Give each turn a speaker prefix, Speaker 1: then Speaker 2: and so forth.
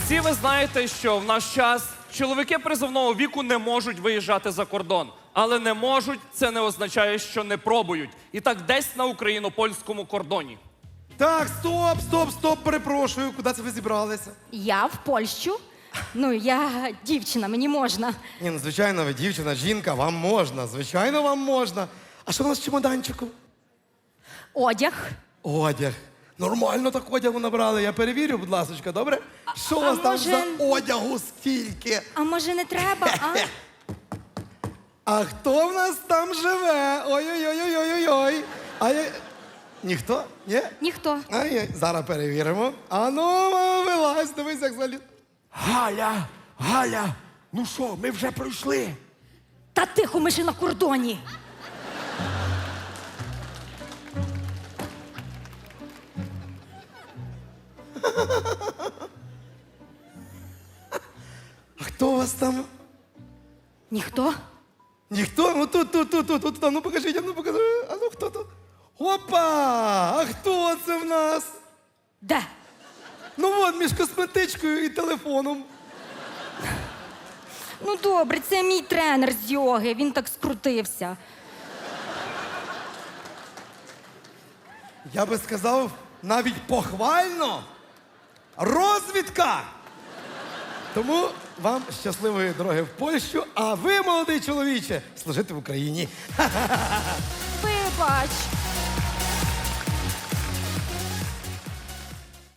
Speaker 1: Всі ви знаєте, що в наш час чоловіки призовного віку не можуть виїжджати за кордон. Але не можуть, це не означає, що не пробують. І так десь на україно-польському кордоні.
Speaker 2: Так, стоп, перепрошую. Куди це ви зібралися?
Speaker 3: Я в Польщу. Ну, я дівчина, мені можна.
Speaker 2: Ні, ну, звичайно, ви дівчина, жінка, вам можна. Звичайно, вам можна. А що у нас в чемоданчику?
Speaker 3: Одяг.
Speaker 2: Одяг. Нормально так одягу набрали. Я перевірю, будь ласка, добре? Що у вас там
Speaker 3: може-
Speaker 2: за одягу стільки?
Speaker 3: А може не треба, а?
Speaker 2: А хто в нас там живе? Ой-ой-ой-ой-ой-ой. Ніхто? Ні?
Speaker 3: Ніхто.
Speaker 2: Ай, зараз перевіримо. А ну, вилазь, дивись, як заліз.
Speaker 4: Галя, ну що, ми вже пройшли.
Speaker 3: Та тихо, ми ще на кордоні.
Speaker 2: А хто у вас там?
Speaker 3: Ніхто?
Speaker 2: Ніхто? Ну тут, а ну покажіть, а ну покажи. А ну хто тут? Опа! А хто це в нас?
Speaker 3: Де?
Speaker 2: Ну от, між косметичкою і телефоном.
Speaker 3: Ну добре, це мій тренер з йоги, він так скрутився.
Speaker 2: Я би сказав, навіть похвально. Розвідка! Тому вам щасливої дороги в Польщу, а ви, молодий чоловіче, служити в Україні.
Speaker 3: Вибач.